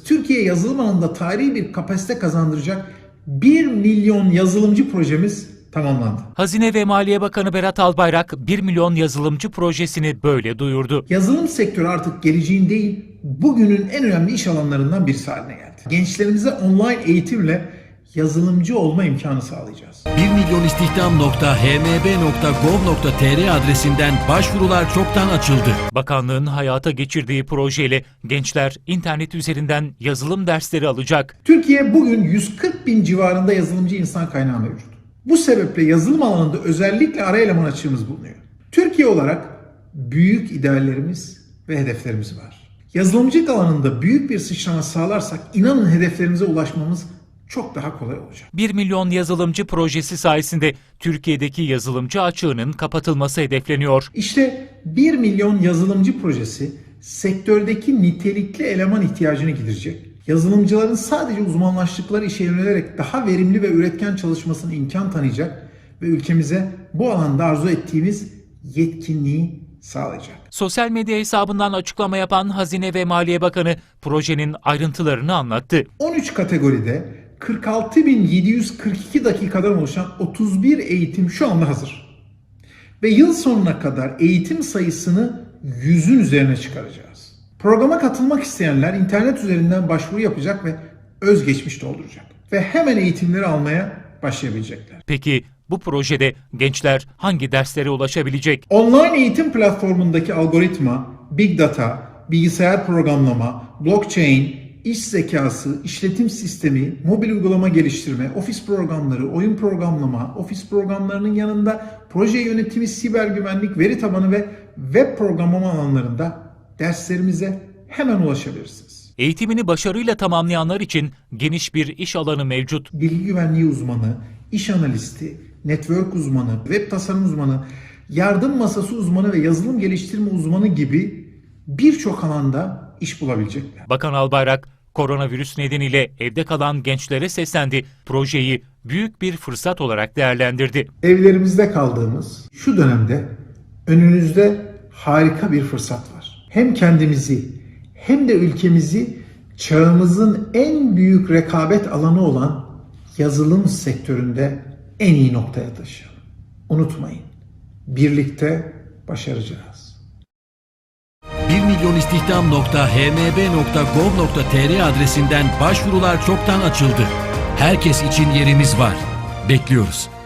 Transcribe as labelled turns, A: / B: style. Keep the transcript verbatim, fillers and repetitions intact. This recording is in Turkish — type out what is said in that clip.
A: Türkiye yazılım alanında tarihi bir kapasite kazandıracak bir milyon yazılımcı projemiz tamamlandı.
B: Hazine ve Maliye Bakanı Berat Albayrak bir milyon yazılımcı projesini böyle duyurdu.
A: Yazılım sektörü artık geleceğin değil, bugünün en önemli iş alanlarından birisi haline geldi. Gençlerimize online eğitimle yazılımcı olma imkanı sağlayacağız.
C: bir milyon istihdam nokta h m b nokta gov nokta t r adresinden başvurular çoktan açıldı.
B: Bakanlığın hayata geçirdiği projeyle gençler internet üzerinden yazılım dersleri alacak.
A: Türkiye bugün yüz kırk bin civarında yazılımcı insan kaynağı mevcut. Bu sebeple yazılım alanında özellikle ara eleman açığımız bulunuyor. Türkiye olarak büyük ideallerimiz ve hedeflerimiz var. Yazılımcılık alanında büyük bir sıçrama sağlarsak inanın hedeflerimize ulaşmamız çok daha kolay olacak.
B: bir milyon yazılımcı projesi sayesinde Türkiye'deki yazılımcı açığının kapatılması hedefleniyor.
A: İşte bir milyon yazılımcı projesi sektördeki nitelikli eleman ihtiyacını giderecek. Yazılımcıların sadece uzmanlaştıkları işe yönelerek daha verimli ve üretken çalışmasına imkan tanıyacak ve ülkemize bu alanda arzu ettiğimiz yetkinliği sağlayacak.
B: Sosyal medya hesabından açıklama yapan Hazine ve Maliye Bakanı projenin ayrıntılarını anlattı.
A: on üç kategoride kırk altı bin yedi yüz kırk iki dakikadan oluşan otuz bir eğitim şu anda hazır. Ve yıl sonuna kadar eğitim sayısını yüzün üzerine çıkaracağız. Programa katılmak isteyenler internet üzerinden başvuru yapacak ve özgeçmiş dolduracak. Ve hemen eğitimleri almaya başlayabilecekler.
B: Peki bu projede gençler hangi derslere ulaşabilecek?
A: Online eğitim platformundaki algoritma, big data, bilgisayar programlama, blockchain, iş zekası, işletim sistemi, mobil uygulama geliştirme, ofis programları, oyun programlama, ofis programlarının yanında proje yönetimi, siber güvenlik, veri tabanı ve web programlama alanlarında derslerimize hemen ulaşabilirsiniz.
B: Eğitimini başarıyla tamamlayanlar için geniş bir iş alanı mevcut.
A: Bilgi güvenliği uzmanı, iş analisti, network uzmanı, web tasarım uzmanı, yardım masası uzmanı ve yazılım geliştirme uzmanı gibi birçok alanda iş bulabilecekler.
B: Bakan Albayrak, koronavirüs nedeniyle evde kalan gençlere seslendi. Projeyi büyük bir fırsat olarak değerlendirdi.
A: Evlerimizde kaldığımız şu dönemde önünüzde harika bir fırsat var. Hem kendimizi hem de ülkemizi çağımızın en büyük rekabet alanı olan yazılım sektöründe en iyi noktaya taşıyalım. Unutmayın, birlikte başaracağız.
C: bir milyon istihdam nokta h m b nokta gov nokta t r adresinden başvurular çoktan açıldı. Herkes için yerimiz var. Bekliyoruz.